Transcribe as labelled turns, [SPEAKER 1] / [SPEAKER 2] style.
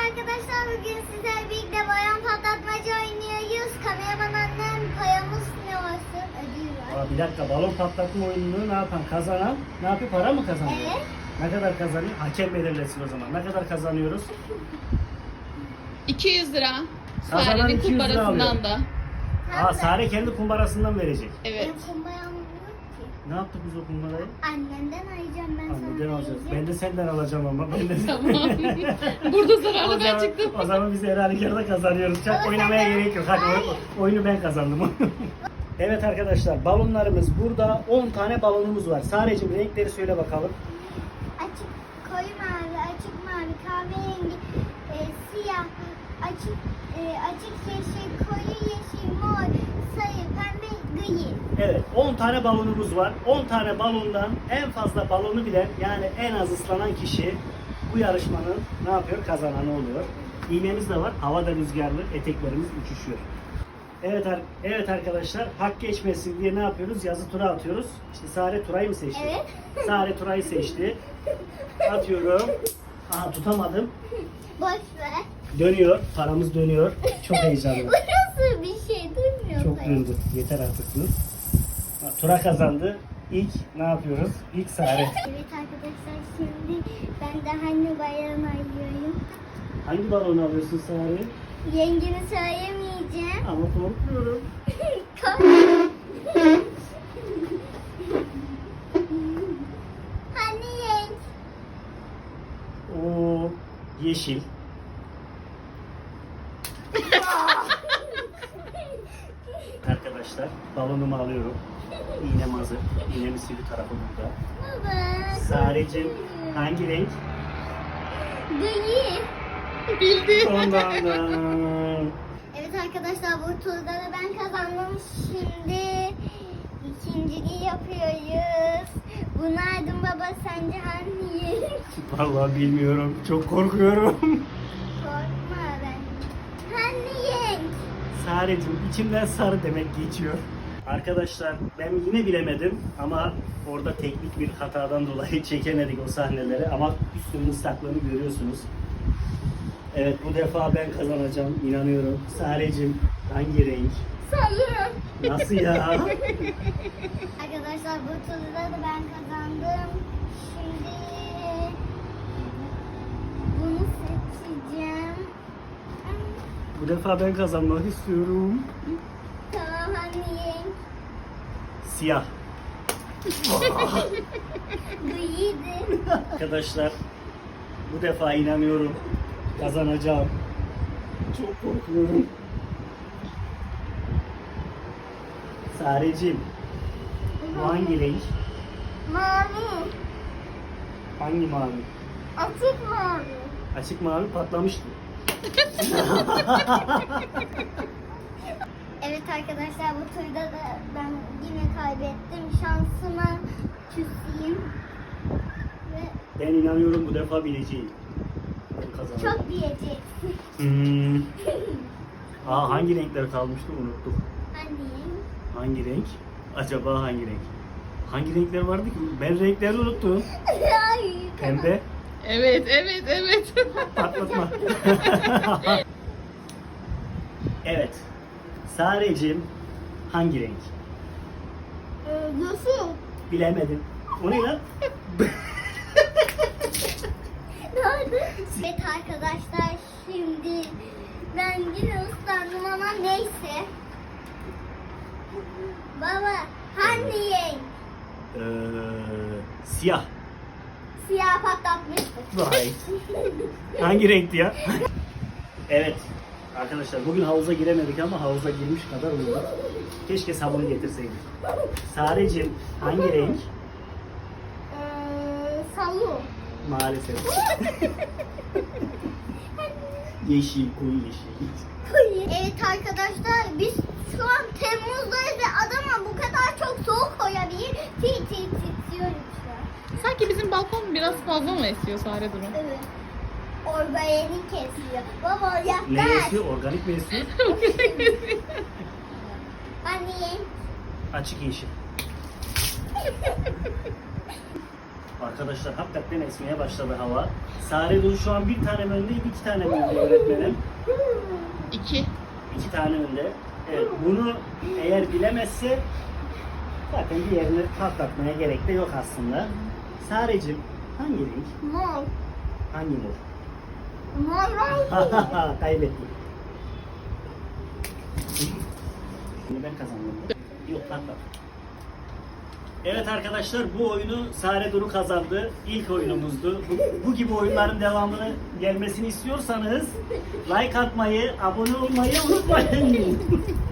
[SPEAKER 1] arkadaşlar, bugün sizlerle birlikte bayan patlatmaca oynuyoruz. Kameraman annem, payamız ne olsun? Ödül var.
[SPEAKER 2] Bir dakika, balon patlatma oyununu ne yapan, kazanan ne yapıyor, para mı kazanıyor?
[SPEAKER 1] Evet.
[SPEAKER 2] Ne kadar kazanıyor? Hakem belirlesin o zaman. Ne kadar kazanıyoruz?
[SPEAKER 3] 200 lira.
[SPEAKER 2] Kazanan
[SPEAKER 3] Sare'nin
[SPEAKER 2] 200 lira
[SPEAKER 3] kumbarasından da.
[SPEAKER 2] Sare kendi kumbarasından verecek.
[SPEAKER 3] Evet.
[SPEAKER 1] Benim kumbayam yok ki.
[SPEAKER 2] Ne yaptık biz o kumbarayı?
[SPEAKER 1] Annemden alacağım ben
[SPEAKER 2] Anneden
[SPEAKER 1] sana.
[SPEAKER 2] alacağız.
[SPEAKER 1] vereceğim.
[SPEAKER 2] Ben de senden alacağım ama. Ben de...
[SPEAKER 3] Tamam. Burada zararlı ben çıktım.
[SPEAKER 2] O zaman biz her halükarda kazanıyoruz. Çok oynamaya gerek yok. Hadi oyunu ben kazandım. Evet arkadaşlar, balonlarımız burada. 10 tane balonumuz var. Sareciğim, renkleri söyle bakalım.
[SPEAKER 1] Açık koyu mavi, açık mavi, kahverengi, siyah, açık yeşil, koyu yeşil, mor, sarı, pembe, gri.
[SPEAKER 2] Evet, 10 tane balonumuz var. 10 tane balondan en fazla balonu bilen, yani en az ıslanan kişi bu yarışmanın ne yapıyor? Kazananı oluyor. İğnemiz de var. Havada rüzgarlı, eteklerimiz uçuşuyor. Evet arkadaşlar, hak geçmesin diye ne yapıyoruz? Yazı tura atıyoruz. İşte Sare Turay'ı mı seçti?
[SPEAKER 1] Evet.
[SPEAKER 2] Sare Turay'ı seçti. Atıyorum. Aha, tutamadım.
[SPEAKER 1] Boş ver.
[SPEAKER 2] Dönüyor. Paramız dönüyor. Çok heyecanlı.
[SPEAKER 1] Bu nasıl bir şey, duymuyor
[SPEAKER 2] Çok
[SPEAKER 1] musun?
[SPEAKER 2] döndü. Yeter artık bu. Tura kazandı. İlk ne yapıyoruz? İlk Sare.
[SPEAKER 1] Evet arkadaşlar, şimdi ben de anne bayrağını ayıyorum.
[SPEAKER 2] Hangi balonu alıyorsun Sare?
[SPEAKER 1] Yengemi söyleyemeyeceğim.
[SPEAKER 2] Ama korkuyorum.
[SPEAKER 1] Hani yeng?
[SPEAKER 2] Oo, yeşil. Arkadaşlar, balonumu alıyorum. İğnem hazır. İğnemin sivri tarafı burada.
[SPEAKER 1] Baba.
[SPEAKER 2] Sareciğim, hangi renk?
[SPEAKER 1] Gri.
[SPEAKER 3] Bildi.
[SPEAKER 2] Ondan da.
[SPEAKER 1] Evet arkadaşlar, bu turda da ben kazandım. Şimdi ikinciliği yapıyoruz. Bu nereden baba, sence hangi yeng?
[SPEAKER 2] Vallahi bilmiyorum. Çok korkuyorum.
[SPEAKER 1] Korkma ben. Hani yeng?
[SPEAKER 2] Sareciğim, içimden sarı demek geçiyor. Arkadaşlar, ben yine bilemedim ama orada teknik bir hatadan dolayı çekemedik o sahneleri, ama üstümün ıslaklığını görüyorsunuz. Evet, bu defa ben kazanacağım, inanıyorum. Sareciğim, hangi renk?
[SPEAKER 1] Sarı.
[SPEAKER 2] Nasıl ya?
[SPEAKER 1] Arkadaşlar, bu turda da ben kazandım. Şimdi bunu seçeceğim.
[SPEAKER 2] Bu defa ben kazanmak istiyorum.
[SPEAKER 1] Tamam, hani yeng?
[SPEAKER 2] Siyah.
[SPEAKER 1] Griydi.
[SPEAKER 2] Arkadaşlar, bu defa inanıyorum, kazanacağım. Çok korkuyorum. Sareciğim, bu hangi renk?
[SPEAKER 1] Mavi.
[SPEAKER 2] Hangi mavi?
[SPEAKER 1] Açık mavi.
[SPEAKER 2] Açık mavi patlamıştı.
[SPEAKER 1] Evet arkadaşlar, bu turda da ben yine kaybettim. Şansıma küseyim. Ve
[SPEAKER 2] Ben inanıyorum bu defa bileceğim. Ben kazanacağım.
[SPEAKER 1] çok diyeceksin.
[SPEAKER 2] Hangi renkler kalmıştı, unuttuk.
[SPEAKER 1] Hani?
[SPEAKER 2] Hangi renk? Acaba hangi renk? Hangi renkler vardı ki? Ben renkleri unuttum.
[SPEAKER 1] Ay,
[SPEAKER 2] Pembe.
[SPEAKER 3] Evet.
[SPEAKER 2] Patlatma. Evet. Sareciğim, hangi renk?
[SPEAKER 1] Nasıl?
[SPEAKER 2] Bilemedim. O ne lan?
[SPEAKER 1] Nerede? Evet arkadaşlar, şimdi ben yine ıslandım ama neyse. Baba, hani yeng?
[SPEAKER 2] Siyah.
[SPEAKER 1] Siyah patlatmıştık.
[SPEAKER 2] Vay. Hangi renkti ya? Evet. Arkadaşlar, bugün havuza giremedik ama havuza girmiş kadar oldu. Keşke sabunu getirseydik. Sareciğim, hangi renk?
[SPEAKER 1] Salu.
[SPEAKER 2] Maalesef. Yeşil, koyu yeşil.
[SPEAKER 1] Evet arkadaşlar, biz şu an Temmuz'dayız ve adama bu kadar çok soğuk koyabilir. Titriyorum şu an.
[SPEAKER 3] Sanki bizim balkon biraz fazla mı esiyor Sare durum?
[SPEAKER 1] Evet. Organik kesiyor. Baba
[SPEAKER 2] Ne
[SPEAKER 1] yaklaş.
[SPEAKER 2] esiyor? Organik mi esiyor?
[SPEAKER 1] Anne.
[SPEAKER 2] Açık yeşil. Arkadaşlar hakikaten esmeye başladı hava. Sare Duru şu an bir tane mi önde, iki tane mi önde öğretmenim?
[SPEAKER 3] 2.
[SPEAKER 2] 2 tane önde. Evet, bunu eğer bilemezse zaten diğerini patlatmaya gerek de yok aslında. Sarecim hangi renk?
[SPEAKER 1] Mor.
[SPEAKER 2] Hangi mor?
[SPEAKER 1] Mor renk.
[SPEAKER 2] Kaybettim. Şimdi ben kazandım. Yok patlat. Evet arkadaşlar bu oyunu Sare Duru kazandı. İlk oyunumuzdu. Bu gibi oyunların devamını gelmesini istiyorsanız like atmayı, abone olmayı unutmayın.